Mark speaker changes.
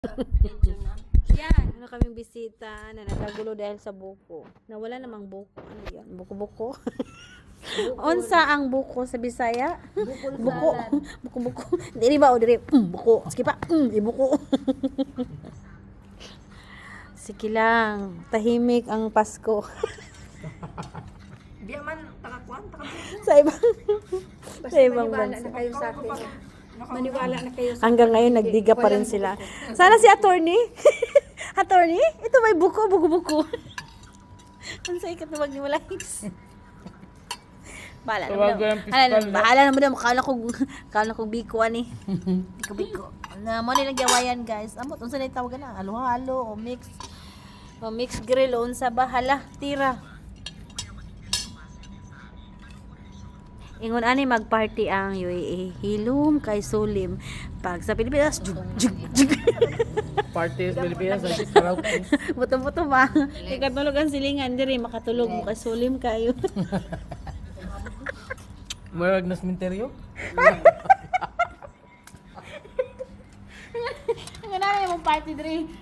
Speaker 1: Yan. Ano kaming bisita na nakagulo dahil sa buko. Nawala namang buko. Ano yan? Buko-buko. Unsa ang buko sa Bisaya? Buko. Buko-buko. Diri ba o diri? Buko. Sige pa. Ibuko. Sige lang. Tahimik ang Pasko.
Speaker 2: Di man takakuan,
Speaker 1: sa ibang
Speaker 2: maniwala
Speaker 1: bansa.
Speaker 2: na kayo sa akin. Maniwala na kayo sa
Speaker 1: Hanggang ngayon nagdiga pa rin sila. Sana si attorney. Attorney, ito may buko, buko-buko. Ang sa ikat na magniwalays. Bahala naman. Bahala naman. Kala ko bikuan eh. Biko. Na mo nilang gawayan guys. Amot unsa na tawag na? Halo-halo o mix. O mix grill o unsa ba? Hala, tira. Ingon ani magparty ang UAE. Hilom kay Sulim. Pag sa Pilipinas, jug.
Speaker 3: Party sa Pilipinas, ay karaoke.
Speaker 1: Buto-buto ba? Ikatulog ang silingan diri makatulog mo kay Sulim kayo.
Speaker 3: Murag na sementeryo.
Speaker 1: Ang na yung party diri.